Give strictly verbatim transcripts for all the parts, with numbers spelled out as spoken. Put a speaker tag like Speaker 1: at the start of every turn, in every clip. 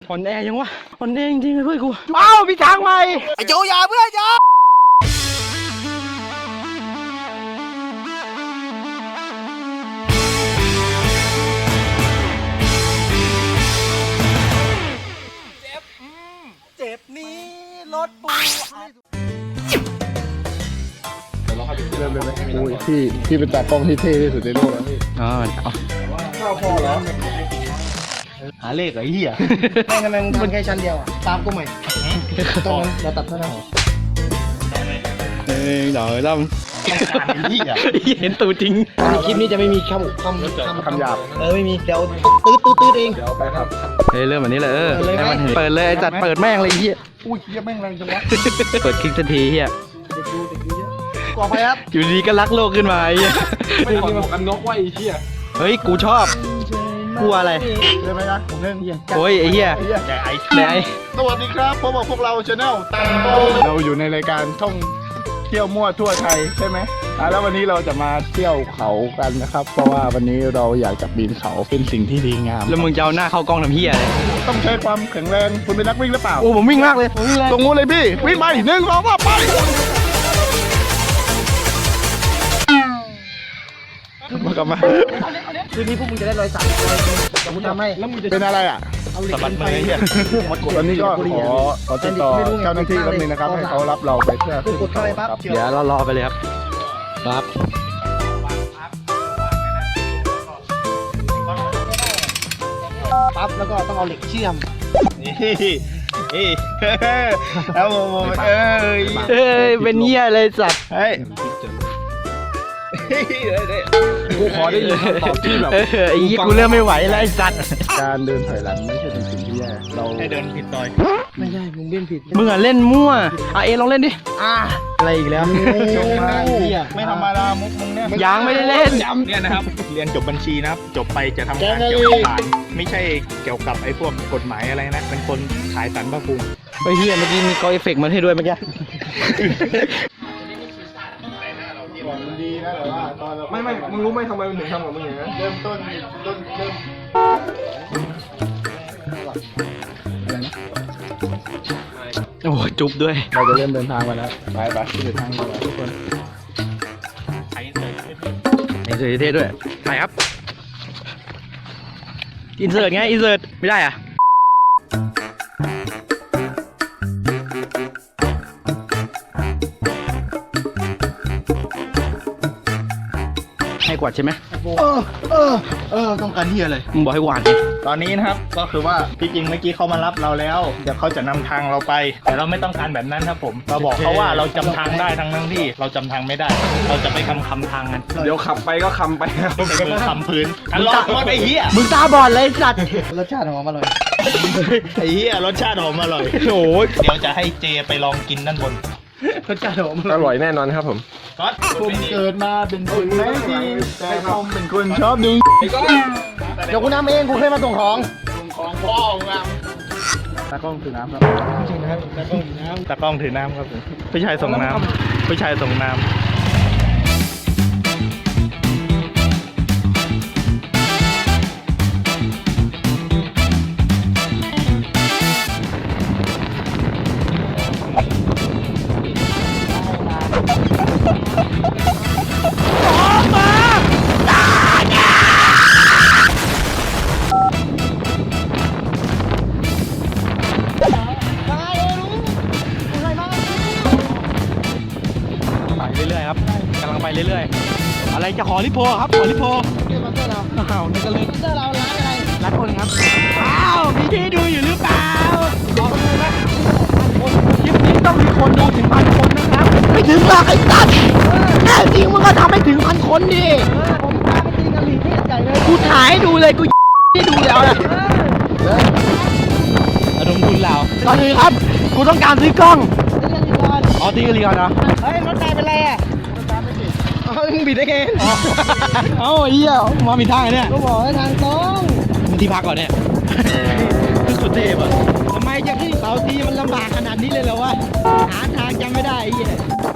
Speaker 1: อ่อนแอยังวะอ่อนแอจริงๆเพื่อนกูเอ้าพี่ช้างใหม่ไอ้โจยาเพื่อนยาเจ็บนี้รถปู
Speaker 2: เริ่มเลยไหมโอ้ยพี่พี่เป็นตากล้องที่เท่ที่สุดในโลกแล้วพี่
Speaker 1: อ๋อ
Speaker 2: ข้าวพอแล้ว
Speaker 1: หาเลขไอ้เหี้ย
Speaker 3: ไม่ทำไมมึงทำแค่ชั้นเดียวอ่ะตามกูใหม่ตรงนั้นเราตัดเท่านั้น
Speaker 1: เอ้ยเดี๋ยวดำเห็นตูจริง
Speaker 3: คลิปนี้จะไม่มีคำคำ
Speaker 2: คำหยาบ
Speaker 3: เออไม่มีเดี๋ยวตืดตืดตืดเอง
Speaker 2: เดี๋ยวไปครับ
Speaker 1: เฮ้ยเริ่มแบบนี้เลยเออให้มันเปิดเลยไอ้จัดเปิดแม่งเลยเหี้ย
Speaker 2: อุ้ยเหี้ยแม่งแรงจังวะ
Speaker 1: เปิดคลิกทันทีเหี้ย
Speaker 3: กลัวไปครับ
Speaker 1: อยู่ดีก็รักโลกขึ้นมาไอ้เหี้ย
Speaker 2: ไม่ถอดหมวกกันน็อกไว้ไอ้เหี้ย
Speaker 1: เฮ้ยกูชอบกลัวอะไร
Speaker 2: เริ่มไหมนะผมเล่น
Speaker 1: โอ้ยไอ้เหี้ย
Speaker 2: แต่ไอ้
Speaker 1: แต่ไอ้
Speaker 2: สวัสดีครับพบกับพวกเราชาแนลตังโตเราอยู่ในรายการท่องเที่ยวมั่วทั่วไทยใช่ไหมอ่ะแล้ววันนี้เราจะมาเที่ยวเขากันนะครับเพราะว่าวันนี้เราอยากจะปีนเขาเป็นสิ่งที่ดีงาม
Speaker 1: แล้วมึงจะเอาหน้าเข้ากล้องทำเหี้ยอะไร
Speaker 2: ต้องใช้ความแข็งแรงคุณเป็นนักวิ่งหรือเปล่า
Speaker 1: โอ้ผมวิ่งมากเลย
Speaker 2: ตรงนู้นเลยพี่วิ่งไปหนึ่งสองสามไปมากลับมา
Speaker 3: คืนนี้พวกมึงจะได้รอยสักรอยแต่กูทำให้
Speaker 2: แล้วมึงจะเป็นอะไรอ่ะ
Speaker 3: สะบัดมือเนี่ย
Speaker 2: ตอนนี้ก็ขอขอติดต่อเจ้าหน้าที่แป๊บนึงนะครับให้เขารับเราไปเพื่อขึ้นเขาครับ
Speaker 1: เดี๋ยวเรารอไปเลยครับครับ
Speaker 3: ปั๊บแล้วก็ต้องเอาเหล็กเชื่อม
Speaker 2: นี่นี่เอาโมโมเอ้ย
Speaker 1: เอ้ยเป็นเหี้ยเลยสัตว์
Speaker 2: เฮ้ยกูขอได้ยินคำตอบที่แบบ
Speaker 1: ไอ้ยี่กูเริ่มไม่ไหวแล้วไอ้สัตว์
Speaker 2: การเดินถอยหลังไม่ใช่เป็นสิ่งที่แย่เรา
Speaker 3: ให้เดินผิดต่อยไม่ใช่มึงเล่นผิด
Speaker 1: มึงอ่ะเล่นมั่วอ่ะเอลองเล่นดิ
Speaker 3: อ่ะ
Speaker 1: อะไรอีกแล้ว
Speaker 2: จงมาไม่ธรรมดามุกมึงเนี่ย
Speaker 1: ยังไม่ได้เล่น
Speaker 2: เนี่ยนะครับเรียนจบบัญชีนะครับจบไปจะทำงานเกี่ยวกับศาลไม่ใช่เกี่ยวกับไอ้พวกกฎหมายอะไรนะเป็นคนขายสารพระภูมิ
Speaker 1: ไอ้เหี้ยเมื่อกี้มีกอเอฟเฟกต์มาให้ด้วยเมื่อกี้
Speaker 2: มันดีนะแต่ว่าตอนเรา
Speaker 3: ไม่ไม่มึงรู้ไหมทำไมมึงถึงทำกับมึงอย่างนั้น
Speaker 2: เริ่มต้นต้นเริ่ม
Speaker 1: โอ้จุ๊บด้วย
Speaker 2: เราจะเริ่มเดินทางมาแล้วไปไปเดินทางมาแล้วทุกคน
Speaker 1: ไอ้เสือเท่ด้วยถ่ายครับอินเสิร์ตไงอินเสิร์ตไม่ได้อ่ะให้กวาดใช่ไหม
Speaker 3: เออเออเออต้องการเฮียเลย
Speaker 1: มึงบอกให้กวาด
Speaker 2: ตอนนี้นะครับก็คือว่าที่จริงเมื่อกี้เขามารับเราแล้วเดี๋ยวเขาจะนำทางเราไปแต่เราไม่ต้องการแบบนั้นครับผมเราบอกเขาว่าเราจำทางได้ทั้งนั้นที่เราจำทางไม่ได้เราจะไปคำคำทางกัน
Speaker 1: เดี๋ยวขับไปก็คำไป
Speaker 2: มือคำพื้นอันล็อกรถไอ้เหี้ย
Speaker 1: มึงตาบอดเลยสัตว์
Speaker 3: รสชาติหอมอร่อย
Speaker 2: ไอ้เหี้ยรสชาติหอมอร่อย
Speaker 1: โอ้ย
Speaker 2: เดี๋ยวจะให้เจไปลองกินด้านบน
Speaker 3: รสชาติหอม
Speaker 2: อร่อยแน่นอนครับผมก็ผมเกิดมาเป็นคนไม่ดีแต่ผมเป็นคนชอบดึง
Speaker 3: เดี๋ยวกูน้ำเองกูเคยมาส่งของ
Speaker 2: ส่งของพ่อของเราตากล้องถือน้ำครับ
Speaker 3: จริงนะครับตากล้องถือน้ำ
Speaker 2: ตากล้องถือน้ำครับผมผู้ชายส่งน้ำผู้ชายส่งน้ำ
Speaker 1: เรื่อยๆครับกำลังไปเรื่อยๆอะไรจะขอลิโพครับขอลิโพ
Speaker 3: เรื่องมาเตอร์เรา
Speaker 1: อ้าวนี่ก็เลย
Speaker 3: เตอร์เราร้านอะไร
Speaker 1: ร้านคนครับอ้าวมีที่ดูอยู่หรือเปล่าขอดูไหมคลิปนี้ต้องมีคนดูถึงพันคนนะครับไม่ถึงหรอกไอ้ตั๊ดแน่จริงมึงก็ทำให้ถึงพันคนดิ
Speaker 3: ผมพาไปกินกะหรี่ที่ใหญ่เลย
Speaker 1: กูถ่ายให้ดูเลยกูที่ดูแล้วนะระดมทุนเราตอนนี้ครับกูต้องการซื้อกล้องอ๋อตีกันลีก่อนนะ
Speaker 3: เฮ้ยรถนายเป็นไรอ่ะรถนายไม่ติดอ๋อมึงบิดได้ไง
Speaker 1: เอ้าไอ้เหี้ยมาผิดทางเนี่ย
Speaker 3: ก็บอกให้ทางตรง
Speaker 1: มึงที่พักก่อนเนี่ยสุดเทพอ่ะทำไมจะขึ้นเขาทีมันลำบากขนาดนี้เลยเหรอวะหาทางยังไม่ได้ไอ้เหี้ย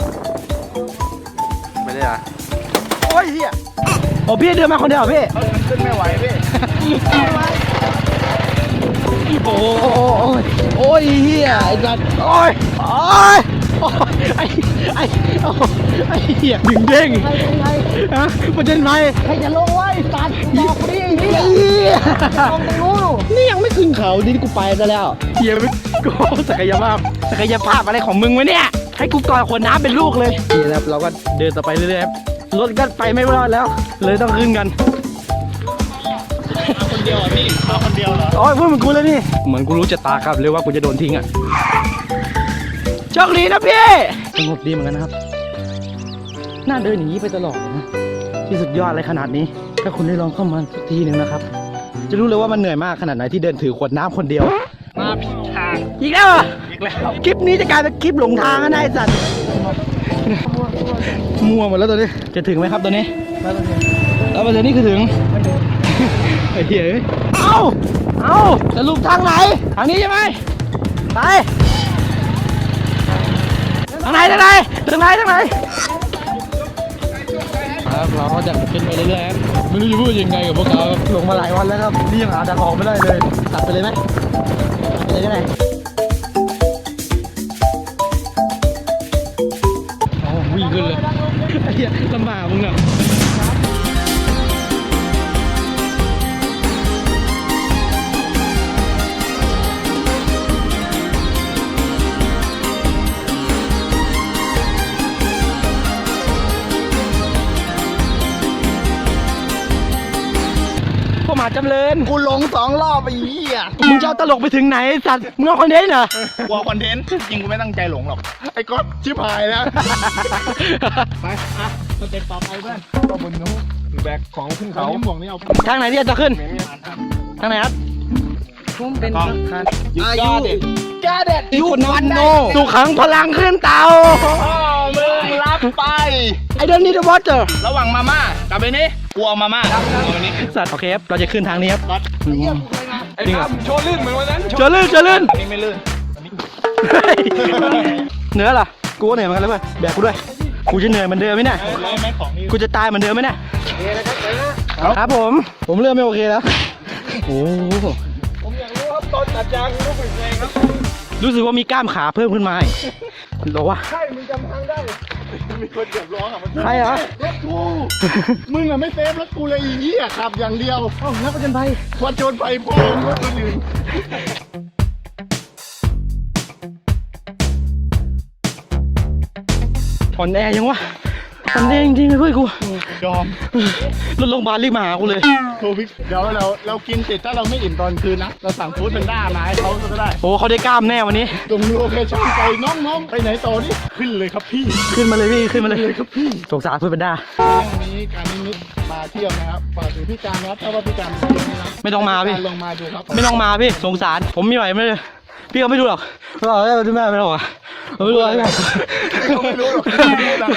Speaker 2: ไม่ได้อะ
Speaker 1: โอ้ยเหี้ยโอ้พี่เดินมาคนเดียวพี่
Speaker 2: ขึ้นไม่ไหวพี่
Speaker 1: โอ้ยโอ้ยเฮียไอ้สัตว์โอ้ยโอ้ยโอ้ยไอ้ไอ้โอ้ไอ้เฮียดึงเด้งฮะประเด็นไหม
Speaker 3: ใครจะลงไว้ตัดบอกดิเฮีย
Speaker 1: เฮีย
Speaker 3: ลงตรงนู้น
Speaker 1: นี่ยังไม่ขึ้นเขาดิกูไปซะแล้วเฮียไม่กูศักยภาพศักยภาพอะไรของมึงวะเนี่ยให้กูก่อนขวดน้ำเป็นลูกเลยนี่นะครับเราก็เดินต่อไปเรื่อยๆรถก็ไปไม่รอดแล้ว เลยต้องขึ้นกัน
Speaker 2: คนเดียวอ่ะพี่มาคนเดียวเหรอ
Speaker 1: โอ้ยพูดเหมือนกูเลยนี่เหมือนกูรู้ชะตาครับเลยว่ากูจะโดนทิ้งอ่ะโชคดีนะพี่สงบดีเหมือนกันนะครับน่าเดินอย่างนี้ไปตลอดเลยนะที่สุดยอดอะไรขนาดนี้ถ้าคุณได้ลองเข้ามาสักทีหนึ่งนะครับจะรู้เลยว่ามันเหนื่อยมากขนาดไหนที่เดินถือขวดน้ำคนเดียว
Speaker 2: มาผิดทาง
Speaker 1: อีกแล้วเหรอ
Speaker 2: อีกแล้ว
Speaker 1: คลิปนี้จะกลายเป็นคลิปหลงทางนะไอ้สัตว์มัวหมดแล้วตัวนี้จะถึงไหมครับตัวนี้แล้วประเด็นนี้คือถึงไอ้เหี้ยเอ้ยเอ้าเอ้าสรุปทางไหนทางนี้ใช่ไหมไปทางไหนทางไหนทางไหนทางไหนครับเราก็จะขึ้นไปเรื่อยๆไม่รู้จะพูดยังไงกับพวกเขาลงมาหลายวันแล้วครับนี่ยังหาทางออกไม่ได้เลยตัดไปเลยไหมตัดไปเลยก็ได้อ๋อวิ่งขึ้นเลยไอ้เหี้ยลำบากมึงอ่ะพวกหมาจำเริญ
Speaker 2: กูหลงสองรอบไปเหี้ย
Speaker 1: มึงจะเอาตลกไปถึงไหนไอ้สัตว์มึงเอาคอนเทนต์เหรอก
Speaker 2: ลัวคอนเทนต์จริงกูไม่ตั้งใจหลงหรอกไอ้ก๊อตชิบหายแล้วไปอ่ะสเต็ปต่อไปเพื่อนก็บนนู้นแบกของขึ้นเขาหมวกนี่เอา
Speaker 1: ทางไหนที่จะขึ้นทางไหนครับ
Speaker 3: ผมเป็น
Speaker 2: อายุกาเด็ด
Speaker 1: ยูวันโนสุขังพลังขึ้นเตา
Speaker 2: พ่อมึงรับไป
Speaker 1: ไอ้เดนนี่เดอะวอเตอร์
Speaker 2: ระหว่างมาม่ากับไอ้นี่กูเอามาม่าเอาอันนี้
Speaker 1: สัตว์โอเคครับเราจะขึ้นทางนี้ครับ
Speaker 2: ก๊อต
Speaker 1: ไอ้นี่ครับ
Speaker 2: โชว์ลื่นเหมือนวันนั้น
Speaker 1: เจอลื่นเจอลื่น
Speaker 2: อันนี้ไม่ลื่น
Speaker 1: เหนื่อยเหรอกูก็เหนื่อยเหมือนกันเลยเพื่อนแบกกูด้วยกูจะเหนื่อยเหมือนเดิมไหมเนี่ย
Speaker 2: เลยไหมของนี่
Speaker 1: กูจะตายเหมือนเดิมไหมเนี่ยครับผมผมเริ่มไม่โอเคแล้วโอ้โห
Speaker 2: ผมอยากรู้ครับตอนตัดยางรู้สึกไงครับ
Speaker 1: รู้สึกว่ามีกล้ามขาเพิ่มขึ้นมาอีกบอกว่า
Speaker 2: ใช่มึงจำทางได้มีคนเดือดร้อนอ่ะมัน
Speaker 1: ใครเหรอ
Speaker 2: รถกูมึงอ่ะไม่เซฟรถกูเลยอีเหี้ยขับอย่างเดียว
Speaker 1: เอ้านักประจนภัย
Speaker 2: วัดโจนไปพ่อรถคนอื่น
Speaker 1: อ่อนแอยังวะอ่อนแอจริงๆเลยเพื่อนกู
Speaker 2: ยอม
Speaker 1: รถโรงพยาบาลรีบมาหากูเลย
Speaker 2: โควิดเดี๋ยวเราเรากินเสร็จถ้าเราไม่อิ่มตอนคืนนะเราสั่งฟู้ดเป็นด้ามาให้เขาก็ได้
Speaker 1: โอ้เขาได้กล้ามแน่วันนี้
Speaker 2: ตรงโลเคชั่นไปน้องๆไปไหนต่อนี่ขึ้นเลยครับพี่
Speaker 1: ขึ้นมาเลยพี่ขึ้นมาเลย
Speaker 2: เลยครับพี่
Speaker 1: สงสารเพื่อนเป็นด้า
Speaker 2: เรื่องนี้การนิมิตมาเที่ยวนะครับฝากถึงพี่การนะครับถ้าว่าพี่การมาเที่ยวนี่นะ
Speaker 1: ไม่ต้องมาพี่
Speaker 2: ลองมาดูครับ
Speaker 1: ไม่ต้องมาพี่สงสารผมไม่ไหวไม่เลยพี่เขาไม่รู้หรอกไม่หรอกไม่แม่ไม่หรอกอะไม่รู้อะไร
Speaker 2: เขาไม่รู้หรอกเขาไม่รู้อะไร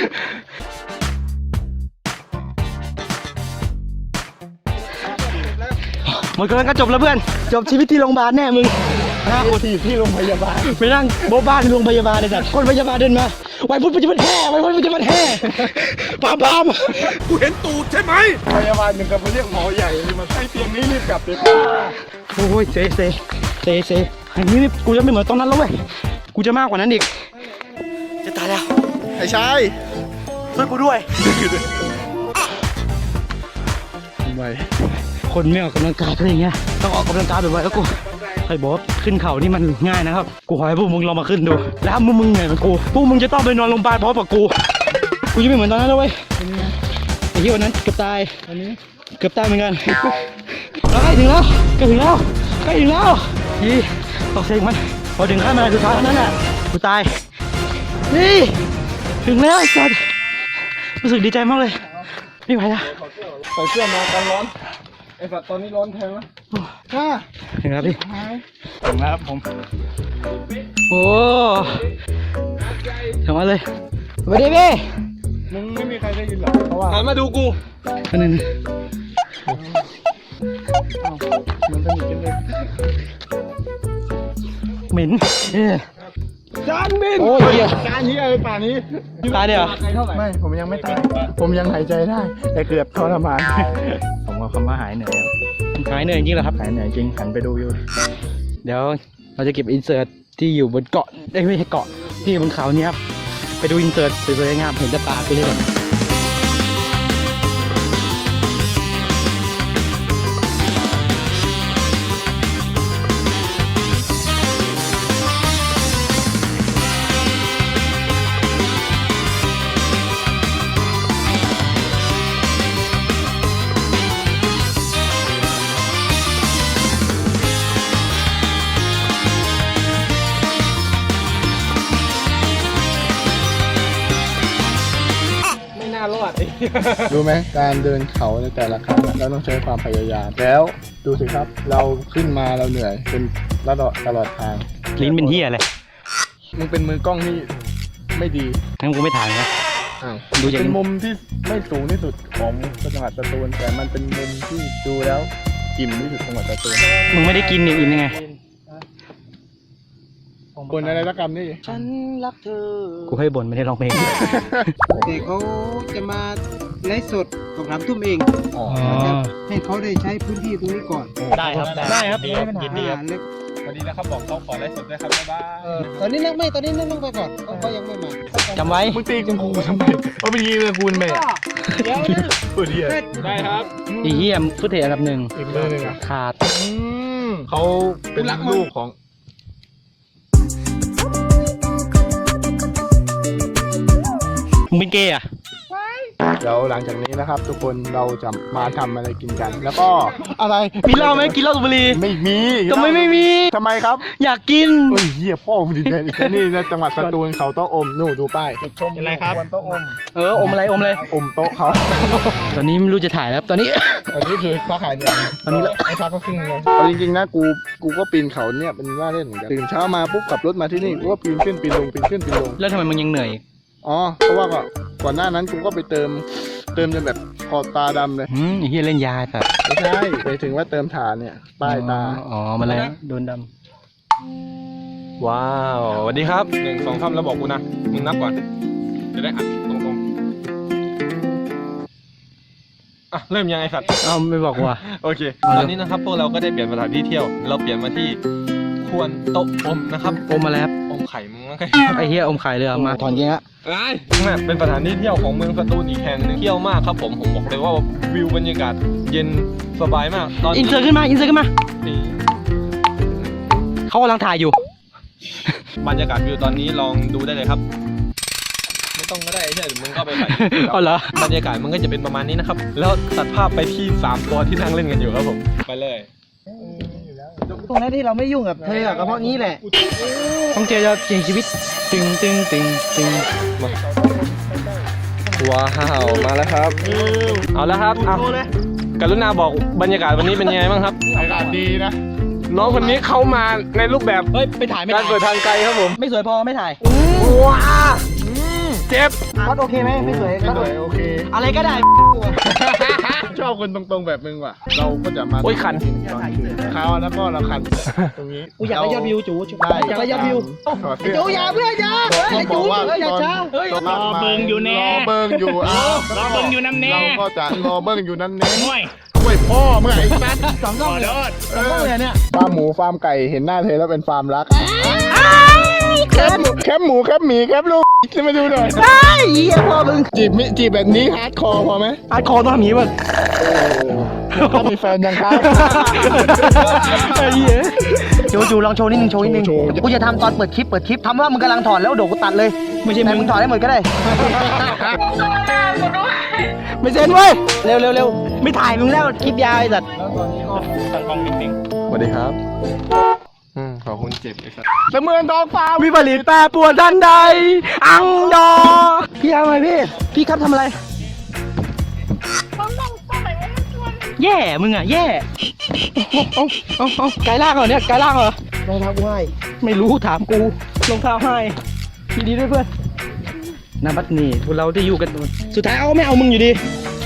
Speaker 1: หมดกำลังก็จบแล้วเพื่อนจบชีวิตที่โรงพยาบาลแน่มึง
Speaker 2: ห้าคนที่ที่โรงพยาบาล
Speaker 1: ไปนั่งโบ๊ะบ้านในโรงพยาบาลเลยสัตว์คนพยาบาลเดินมาไว้พุทธปัจจุบันแห่ไว้พุทธปัจจุบันแห่ปามปาม
Speaker 2: กูเห็นตูดใช่ไหมพยาบาลหนึ่งกับมาเรียกหมอใหญ่เลยมาใช้เตียงนี้รีบกลับเลย
Speaker 1: โอ้ยเซเซเซเซอันนี้นี่กูจะไม่เหมือนตอนนั้นแล้วเว้ยกูจะมากกว่านั้นอีกจะตายแล้ว
Speaker 2: ไอ้ชาย
Speaker 1: ช่วยกูด้วย
Speaker 2: ทำไม
Speaker 1: คนไม่ออกกำลังกายเป็นอย่างเงี้ยต้องออกกำลังกายบ่อยๆแล้วกูใครบอกว่าขึ้นเขานี่มันง่ายนะครับกูขอให้พวกมึงลองมาขึ้นดูแล้วมึงมึงเหนื่อยเหมือนกูพวกมึงจะต้องไปนอนโรงพยาบาลพร้อมกับกูกูจะไม่เหมือนตอนนั้นแล้วเว้ยไอ้ที่วันนั้นเกือบตาย
Speaker 2: อันนี้
Speaker 1: เกือบตายเหมือนกันใกล้ถึงแล้วใกล้ถึงแล้วใกล้ถึงแล้วยี่ตอกเสียงมันพอถึงขั้นมาสุดท้ายเท่านั้นแหละกูตายนี่ถึงแล้วไอ้สัสรู้สึกดีใจมากเลยไม่ไหวแล้ว
Speaker 2: ใส่เสื้อมากันร้อนไอ้สัตว์ตอนนี้ร้อนแทงแล้วค่ะ
Speaker 1: ถึงแล้วพี่
Speaker 2: ถึงแล้วครับผม
Speaker 1: โอ้ถึงมาเลยสวัสดีพี่
Speaker 2: มึงไม่มีใครได้ยินหรอกเพราะว่าหันมาดูกู
Speaker 1: อันนึง
Speaker 2: มันสนิทกันเลย
Speaker 1: เหม็นเออ
Speaker 2: จานบิน
Speaker 1: โอ้ยเหี้ย
Speaker 2: จานนี้ไอ้ป่านนี้
Speaker 1: ตายเดี๋ยว
Speaker 2: ไม่ผมยังไม่ตายผมยังหายใจได้ แต่เกือบทรมาน
Speaker 1: ผมว่าคำว่าหายเหนื่อยครับหายเหนื่อยจริงๆเหรอครับ
Speaker 2: หายเหนื่อยจริงหันไปดูอยู่
Speaker 1: เดี๋ยวเราจะเก็บอินเสิร์ตที่อยู่บนเกาะเอ้ยไม่ใช่เกาะที่อยู่บนเขาเนี่ยครับไปดูอินเสิร์ตสวยๆงามเห็นจะตาไปเลย ไม่น่ารอด
Speaker 2: รู้ไหมการเดินเขาในแต่ละครั้งเราต้องใช้ความพยายาม แล้วดูสิครับ เราขึ้นมาเราเหนื่อยเป็นตลอดตลอดทาง
Speaker 1: ลิ้นเป็นเหี้ยอะไร
Speaker 2: มึงเป็นมือกล้องที่ไม่ดี
Speaker 1: งั้นกูไม่ถ่ายนะ
Speaker 2: อ้าว
Speaker 1: ดูอย่าง
Speaker 2: เป็นมุมที่ไม่สูงที่สุดของจังหวัดสตูลแต่มันเป็นมุมที่ดูแล้วอิ่มที่สุดของจังหวัดสตูล
Speaker 1: มึงไม่ได้กินนี่อิ่มยังไง
Speaker 2: คนอะไรสักคำนี่
Speaker 3: ฉันรักเธอ
Speaker 1: กูให้บ่นไม่ได้ร้องเพลง
Speaker 3: แต่เขาจะมาไลฟ์สดสองสามทุ่มเอง
Speaker 2: อ๋อ
Speaker 3: ให้เขาได้ใช้พื้นที่ตรงนี้ก่อน
Speaker 1: ได้ครับได้ครับไม่มีปัญหา
Speaker 3: อ่าแล้ว
Speaker 4: วันนี้นะครับบอกเขาขอไลฟ์สดด้วยครับบ๊ายบาย
Speaker 3: เออตอนนี้นั่งไม่ตอนนี้นั่งไปก่อนเขาเขายังไม่มา
Speaker 1: จำไว้
Speaker 2: มึงตีกูกูทำไมเพราะเป็นยีเลยกูเป็นแม่
Speaker 3: เดี๋ยวนะ
Speaker 2: พูดเหี้ย
Speaker 4: ได้ครับ
Speaker 1: ไอ้เหี้ยฟุตเทจอันดับหนึ่ง
Speaker 2: อีกมือหนึ่งอ่ะ
Speaker 1: ขาด
Speaker 2: อืมเขาเป็นลูกของ
Speaker 1: มึงเป็นเกย์อ่ะ
Speaker 2: เดี๋ยวหลังจากนี้นะครับ ทุกคนเราจะมาทำอะไรกินกัน แล้วก็อะไร
Speaker 1: มีเหล้าไหมกินเหล้าสูบบุหรี่
Speaker 2: ไม่มี
Speaker 1: ทำไมไม่มี
Speaker 2: ทำไมครับ
Speaker 1: อยากกิน
Speaker 2: เฮ้ยเหี้ยพ่อมึงดีใจแค่นี่นะจังหวัดสตูลเขาโต๊ะอมนู่นดูป้ายชม
Speaker 4: อะไรครับ
Speaker 2: โต๊ะอม
Speaker 1: เอออมอะไรอมอะไร
Speaker 2: อมโต๊ะเขา
Speaker 1: ตอนนี้ไม่รู้จะถ่ายแล้วครับตอนนี้
Speaker 2: อันนี้คือค้าขายเนี่ย
Speaker 1: อันนี้
Speaker 2: ไอ้พักก็ครึ่งเลยเอาจริงๆนะกูกูก็ปีนเขาเนี่ยเป็นว่าเล่นเหมือนกันตื่นเช้ามาปุ๊บขับรถมาที่นี่กูก็ปีนขึ้นปีนลงปีนขึ้นปีนลง
Speaker 1: แล้วทำไมมึงยังเหนื่อย
Speaker 2: อ๋อเพราะว่าก่อนก่อนหน้านั้นกูก็ไปเติมเติมจนแบบขอบตาดำเลย
Speaker 1: อืมไอ้เหี้ยเล่นยาสัตว์
Speaker 2: ไม่ใช่ไปถึงว่าเติมฐานเนี่ยป้ายตา
Speaker 1: อ๋อมาแล้วโดนด
Speaker 4: ว้าวสวัสดีครับหนึ่งสองสามแล้วบอกกูนะ มึงนับก่อน จะได้อัดตรงๆอ่ะเริ่มยังไงสัตว์
Speaker 1: ำเอ้าไม่บอกว่า
Speaker 4: โอเค ตอนนี้นะครับพวกเราก็ได้เปลี่ยนสถานที่เที่ยว เราเปลี่ยนมาที่ควรโต๊ะอมนะครับ
Speaker 1: อมมาแล้ว
Speaker 4: อมไข่มึงมั้งไง
Speaker 1: ไอ้เหี้ยอมไข่เลยอ่ะมาถอนเกงละ
Speaker 4: ไอ้นั่นเป็นสถานที่เที่ยวของเมืองสตูลอีกแห่งหนึงเที่ยวมากครับผม ผมบอกเลยว่าวิวบรรยากาศเย็นสบายมาก ตอน
Speaker 1: อิน
Speaker 4: นี้
Speaker 1: เสิร์ตขึ้นมาอินเสิร์ตขึ้นมา
Speaker 4: นี่
Speaker 1: เขากำลังถ่ายอยู่
Speaker 4: บรรยากาศวิวตอนนี้ลองดูได้เลยครับ ไม่ต้องก็ได้ใช่หรือมึงก็ไปใส่
Speaker 1: อ๋อเหรอ
Speaker 4: บรรยากาศมันก็จะเป็นประมาณนี้นะครับ แล้วตัดภาพไปที่สามตัวที่นั่งเล่นกันอยู่ครับผม ไปเลย
Speaker 3: ตรงนั้นที่เราไม่ยุ่งกับเธออะก็เพราะนี้แหละ
Speaker 1: ต้องเจอจะเสี่ยงชีวิตตึงตึงตึงตึง
Speaker 4: ว้าว มาแล้วครับ เอาแล้วครับอ่ะกรุณาบอกบรรยากาศวันนี้เป็นยังไงบ้างครับ
Speaker 2: อากาศดีนะ
Speaker 4: น้องคนนี้เขามาในรูปแบบ
Speaker 1: เฮ้ยไปถ่ายไม่
Speaker 4: การ
Speaker 1: ถ่าย
Speaker 4: เปิดทางไกลครับผม
Speaker 1: ไม่สวยพอไม่ถ่าย
Speaker 4: ว้าเจ็บ
Speaker 3: ก็โอเคไหมไม่สวย
Speaker 2: ไม่
Speaker 3: ก็
Speaker 2: สวยโอเค
Speaker 1: อะไรก็ได้
Speaker 2: ชอบคนตรงๆแบบมึงว่ะ เราก็จะมา
Speaker 4: โอ้ยคัน
Speaker 2: เขาแล้วก็เราคันตรงนี้
Speaker 3: กูอยากได้ยอดวิวจู
Speaker 2: ได้
Speaker 3: อยากได้ยอดวิว
Speaker 2: ถอดเสื้อ
Speaker 3: จูอย่าเพื่อนอย่าเฮ้ย
Speaker 2: เขา
Speaker 3: ไอ้
Speaker 2: บ
Speaker 3: จู
Speaker 2: อกว่า
Speaker 3: เฮ้ยอย่าช้า
Speaker 2: เฮ้ยรอเบิงอยู่แน่รอเบิงอยู่อ้าว
Speaker 5: รอเบิ่งอยู่นำแน่
Speaker 2: เราก็จะรอเบิงอยู่นั่นแน่
Speaker 5: ห่วย
Speaker 2: ช่วยพ่อเมื่อไอ้สัส
Speaker 3: สองกล้องเลยสองกล้องเลยเนี่ย
Speaker 2: ฟาร์มหมูฟาร์มไก่เห็นหน้าเธอแล้วเป็นฟาร์มรักแคบแคบหมูแคบหมีแคบลูกจะมาดูหน่อย
Speaker 1: ได้เหี้ยพอมึง
Speaker 2: จีบมิจีบแบบนี้ฮาร์ดคอร์พอไหม
Speaker 1: อาร์ตคอร์ต้องทำอย่างนี้ป่ะ
Speaker 2: ถ้ามีแฟนยังครับ
Speaker 1: ไอ้เหี้ย
Speaker 3: จูจูลองโชว์นิดนึงโชว์นิดนึง
Speaker 2: โชว์
Speaker 3: กูจะทำตอนเปิดคลิปเปิดคลิปทำว่ามึงกำลังถอดแล้วเดี๋ยวกูตัดเลย
Speaker 1: ไม่ใช่
Speaker 3: แต่
Speaker 1: มึ
Speaker 3: มึ
Speaker 1: ง
Speaker 3: งถอดได้หมดก็ได้
Speaker 1: ไม่เซ็นเว้ยเร็วเร็วเร็วไม่ถ่ายมึงแล้วคลิปยาวไอ้สัตว์
Speaker 5: ตั้งกล้องนิ่ง
Speaker 4: สวัสดีครับ อืมขอบคุณเจ็บไอ้สัส
Speaker 2: เสมือนทองฟ้า
Speaker 1: วิปริตแปรปรวนทันใด อังดอ พี่ทำอะไรพี่ พี่ครับทำอะไร แย่มึงอ่ะ แย่เอาเอาเอาไกลล่างเหรอเนี่ยไกลล่างเหรอ
Speaker 3: รองเท้ากูให้
Speaker 1: ไม่รู้ถามกูรองเท้าให้ทีดีด้วยเพื่อนนาบัดนี่พวกเราจะอยู่กันสุดท้ายเอาไม่เอามึงอยู่ดี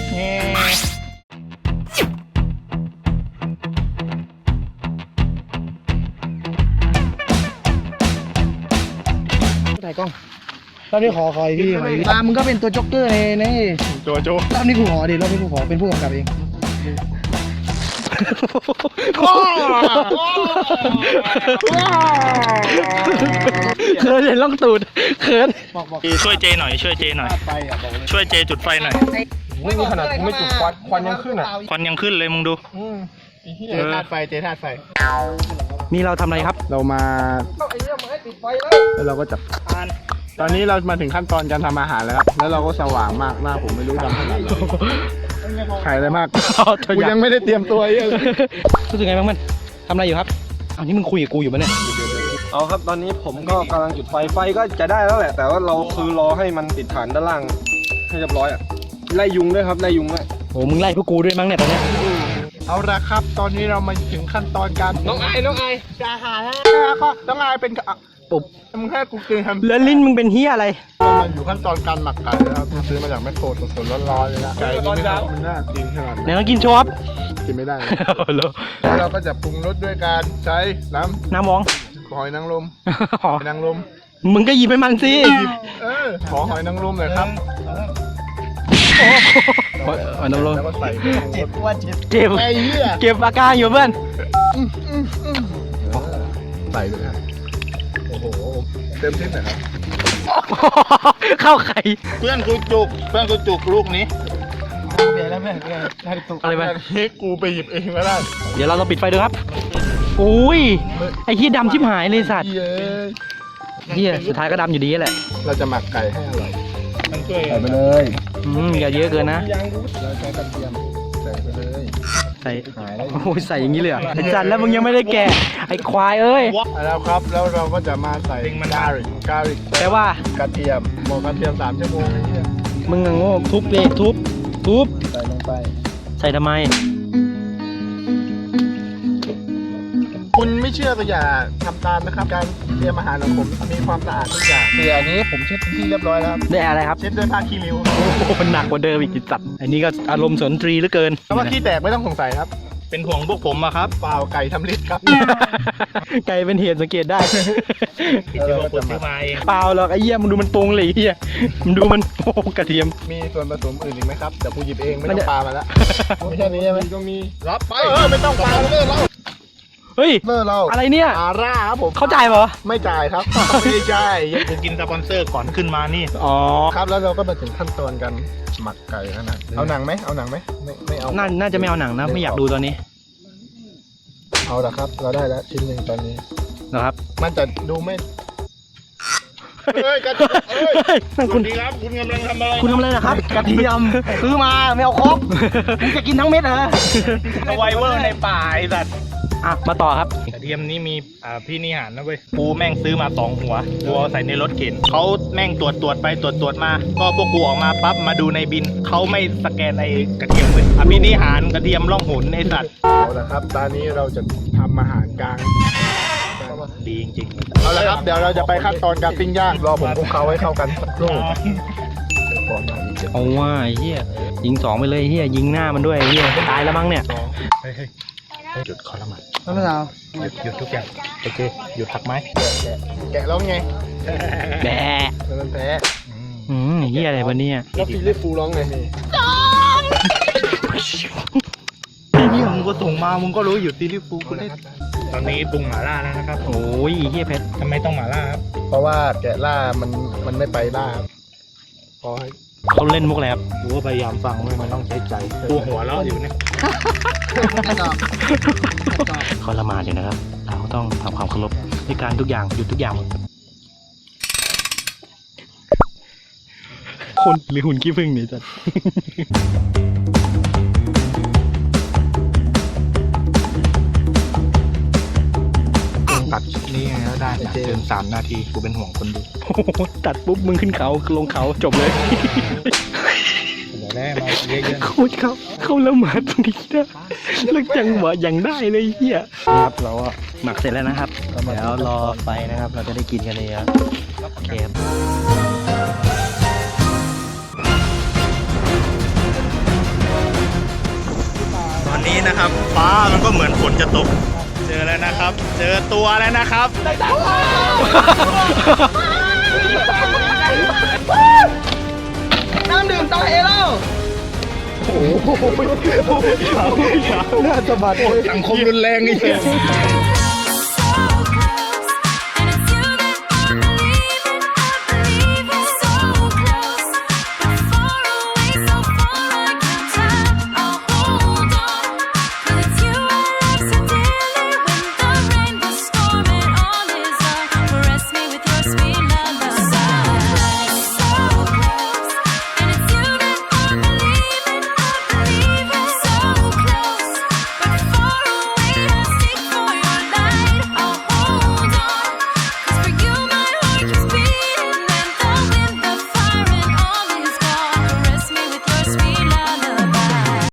Speaker 3: ถ่ายกล้องรอบนี้ขอคอยพี่ขอพี่ตามมึงก็เป็นตัวจ็อกเกอร์ในใน
Speaker 2: โจโจ
Speaker 3: รอบนี้กูขอดิรอบนี้กูขอเป็นผู้กำกับเอง
Speaker 1: เขินเห็นล่องตูดเขิน
Speaker 5: ช่วยเจหน่อยช่วยเจหน่อย
Speaker 2: ไปอ่ะบอกเลย
Speaker 5: ช่วยเจจุดไฟหน่อย
Speaker 4: ไม่มีขนาดกูไม่จุดควันควันยังขึ้นอ่ะ
Speaker 5: ควันยังขึ้นเลยมึงดู
Speaker 2: เจธาตุไฟเจธาตุไฟ
Speaker 1: นี่เราทำอะไรครับ
Speaker 2: เรามาแล้วเราก็จับตอนนี้เรามาถึงขั้นตอนการทำอาหารแล้วครับ แล้วเราก็สว่างมากหน้าผมไม่รู้ดำขนาดไหนขายอะไรมากกูยังไม่ได้เตรียมตัวเยอะเลย
Speaker 1: รู้สึกไงบ้างมันทำอะไรอยู่ครับอ้าวนี่มึงคุยกับกูอยู่ปะเนี่ย
Speaker 4: เอาครับตอนนี้ผมก็กำลังจุดไฟไฟก็จะได้แล้วแหละ แต่ว่าเราคือรอให้มันติดฐานด้านล่างให้เรียบร้อยอ่ะไล่ยุงด้วยครับไล่ยุงด้วย
Speaker 1: โอ้มึงไล่พวกกูด้วยมั้งเนี่ยตอนเนี้ย
Speaker 2: เอาละครับ ตอนนี้เรามาถึงขั้นตอนการ
Speaker 4: น้องไอ้น้องไอ้
Speaker 2: จะหาแล้วก็ต้องอายเป็นอ่ะ
Speaker 1: ปุ๊บ
Speaker 2: มึงแค่กูกินทำ
Speaker 1: แล้วลิ้นมึงเป็นเฮียอะไร
Speaker 2: มันอยู่ขั้นตอนการหมักไก่แล้วครับซื้อมาจากแมคโครสดๆร้อนๆเลยนะไก่นี่ไม่น่ามันน่ากินขนาด
Speaker 1: ไหน
Speaker 2: นั้น
Speaker 1: ลองกินโชว์ครับ
Speaker 2: กินไม่ได้เลย
Speaker 1: แล้ว
Speaker 2: แล้วเราก็จะปรุงรสด้วยการใช้น้
Speaker 1: น้ำมอง
Speaker 2: ำหอยนางรม
Speaker 1: อ๋อ
Speaker 2: หอยนางรม
Speaker 1: มึงก็หยิบให้มันสิ
Speaker 2: เออขอหอยนางรมหน่อยครับ
Speaker 1: อ๋อน้ำลง
Speaker 2: แล้วก็ใส่
Speaker 3: เจ็บว่าเจ็บ
Speaker 1: เก็บ
Speaker 2: ไอ้เหี้ย
Speaker 1: เก็บอาการอยู่เพื่อน
Speaker 2: ใส่เลยฮะโอ้โหเต็มที่หน่อยครับ
Speaker 1: เข้าไข่
Speaker 5: เพื่อนกูจุกเพื่อนกูจุกลูกนี้
Speaker 3: เปลี่ยนแล้วเพื่อนเปลี่ยนได้ตุก
Speaker 1: อะไรไป
Speaker 2: อันนี้กูไปหยิบเองก็ได้
Speaker 1: เดี๋ยวเราต้องปิดไฟดูครับอุ้ยไอ้เฮียดำชิบหายเลยสัตว์
Speaker 2: เย้ย
Speaker 1: เฮียสุดท้ายก็ดำอยู่ดีแหละ
Speaker 2: เราจะหมักไก่ให้อร่อย
Speaker 5: มันช่วย
Speaker 2: ใส่ไปเลย
Speaker 1: อืมอย่าเยอะเกินนะ
Speaker 2: เราใช้กระเทียมใส่ไปเลย
Speaker 1: ใส่
Speaker 2: หายแล้ว
Speaker 1: โอ้ยใส่อย่างนี้เลยเหรอไอ้จันแล้วมึงยังไม่ได้แกะไอ้ควายเอ้ย
Speaker 2: แล้วครับ แล้วเราก็จะมาใส่การิกการิก
Speaker 1: แปลว่า
Speaker 2: กระเทียมหมกกระเทียมสามชั่วโมงไอ้เนี่ย
Speaker 1: มึงอะโง่ทุบเลยทุบทุบ
Speaker 2: ใส่ลงไป
Speaker 1: ใส่ทำไม
Speaker 2: คุณไม่เชื่อก็อย่าทำตามนะครับ การเตรียมอาหารของผมมีความสะอาดทุกอย่างเดี๋ยวอันนี้ผมเช็ดเป็นที่เรียบร้อยแล้วครับ
Speaker 1: ได้อะไรครับ
Speaker 2: เช็ดด้วยผ้าขี้ริ้ว
Speaker 1: โอ้โหมันหนักกว่าเดิมอีกจิตสัตว์อันนี้ก็อารมณ์สนตรีเหลือเกิน
Speaker 2: แต่ว่าขี้แตกไม่ต้องสงสัยครับ
Speaker 5: เป็นห่วงพวกผมอะครับ
Speaker 2: เปล่าไก่ทำลิตครับ
Speaker 1: ไก่เป็นเหตุสังเกตได้
Speaker 5: ที่พวกผมซื้อมาเอง
Speaker 1: เปล่าหรอกไอ้เหี้ยมึงดูมันปรุงเลยไอ้เหี้ยมึงดูมันโอ้โหกระเทียม
Speaker 2: มีส่วนผสมอื่นอีกไหมครับเดี๋ยวกูหยิบเองไม่
Speaker 1: มัน
Speaker 2: ต้อ
Speaker 1: จะ
Speaker 2: งปามาแล้วไม่ใช่นี้ใช่ไหม
Speaker 4: ก็มี
Speaker 2: รับไปเออไม่ต้องปาเลิกเรา
Speaker 1: เฮ้ย
Speaker 2: เลิกเรา
Speaker 1: อะไรเนี่ย
Speaker 2: อาร่าครับผม
Speaker 1: เข้าใจเหรอ
Speaker 2: ไม่จ่ายครับ ไม่ได้จ่าย
Speaker 5: กูกินสปอนเซอร์ก่อนขึ้นมานี่
Speaker 1: อ๋อ
Speaker 2: ครับแล้วเราก็มาถึงขั้นตอนการหมักไก่แล้วนะเอาหนังไหมเอาหนังไหมไม่ไม่เอา
Speaker 1: น่าน่าจะไม่เอาหนังนะไม่อยากดูตอนนี้
Speaker 2: เอาละครับ เราได้แล้วชิ้นหนึ่งตอนนี้
Speaker 1: นะครับ
Speaker 2: มันจะดูไม่เฮ้ยกระเทียมเอ้ย
Speaker 1: เฮ้ยนั่น
Speaker 5: ส
Speaker 1: คุ
Speaker 5: วั
Speaker 1: ณ
Speaker 5: สดีครับ คุณกำลังทำอะไร
Speaker 1: คุณทำอะไรนะครับ กระเทียมซื้อมาไม่เอาครบมึงจะกินทั้งเม็ดเหรอ
Speaker 5: สไวเวอร์ในป่าไอ้สัตว์
Speaker 1: อ่ะมาต่อครับ
Speaker 5: กระเทียมนี่มีอ่าพี่นิหารนะเว้ยกูแม่งซื้อมาสองหัวกูเอาใส่ในรถเข็นเขาแม่งตรวจตรวจไปตรวจตรวจมา ก็พวกกูออกมาปั๊บมาดูในบินเขาไม่สแกนไอ้กระเทียมเว้ยอ่ะพี่นิหารกระเทียมล่องหนในสัตว์
Speaker 2: เอาละครับ ตอนนี้เราจะทำอาหารกลาง
Speaker 5: ดีจริง
Speaker 2: เอาละครับเดี๋ยวเราจะไปขั้นตอนการปิ้งย่างรอผมคลุกเคล้าให้เข้ากันสักครู่ก่อนหน้านี้เจ็บ
Speaker 1: เอาว่าไอ้เหี้ยยิงสองไปเลยไอ้เหี้ยยิงหน้ามันด้วยไอ้เหี้ยตายแล้วมั้งเนี่ย
Speaker 5: ๆเฮ้ยเฮ้ยหยุดคอละหมัน
Speaker 3: น้ำมะนาว
Speaker 5: หยุดหยุดทุกอย่างโอเคหยุดทักไม้
Speaker 2: แกะแล้วไง
Speaker 1: แบะ
Speaker 2: แล้วมันแพ้
Speaker 1: อืมไอ้เหี้ยอะไรวะเนี่ย
Speaker 2: แล้วฟิลิปฟูร้องไงนี่
Speaker 5: นี่มึงก็ส่งมามึงก็รู้อยู่ซีรีส์ฟูกูเล่นตอนนี้ปรุงหม่าล่าแล้วนะครับ
Speaker 1: โอ้ยไอ้เหี้ยเพชร
Speaker 5: ทำไมต้องหม่าล่าครับ
Speaker 2: เพราะว่าแกะล่ามันมันไม่ไปล่าครับพอให้
Speaker 1: เขาเล่นมุกอะไรครับ
Speaker 5: กูก็พยายามฟังเว้ยมันต้องใช้ใจกูหัวเราะอยู่เนี่ย
Speaker 1: เขาละหมาดอยู่นะครับ เราต้องทำความเคารพในการทุกอย่างหยุดทุกอย่างหมดคนหรือหุ่นขี้ผึ้งเนี่ยจัด
Speaker 5: ตัดคลิปนี้ไงก็ได้นะเกินสามนาทีกูเป็นห่วงคนดู
Speaker 1: โอ้โหตัดปุ๊บมึงขึ้นเขาลงเขาจบเลย
Speaker 5: เดี๋ยวแรกมาเยอะ
Speaker 1: โคตรเขาเขาละหมาดตรงนี้นะแล้วจังหวะอย่างได้เลยเฮียนี่ครับเราก็หมักเสร็จแล้วนะครับเดี๋ยวรอไฟนะครับ เราจะได้กินกันเลยครับโอเคครับ
Speaker 5: ๆตอนนี้นะครับฟ้ามันก็เหมือนฝนจะตก เจอแล้วนะครับ เจอตัวแล้วนะครับ
Speaker 3: น้ำดื่มตาเอเล่า
Speaker 2: หน้าสะบัดเลย
Speaker 5: สังคมรุนแรงนี่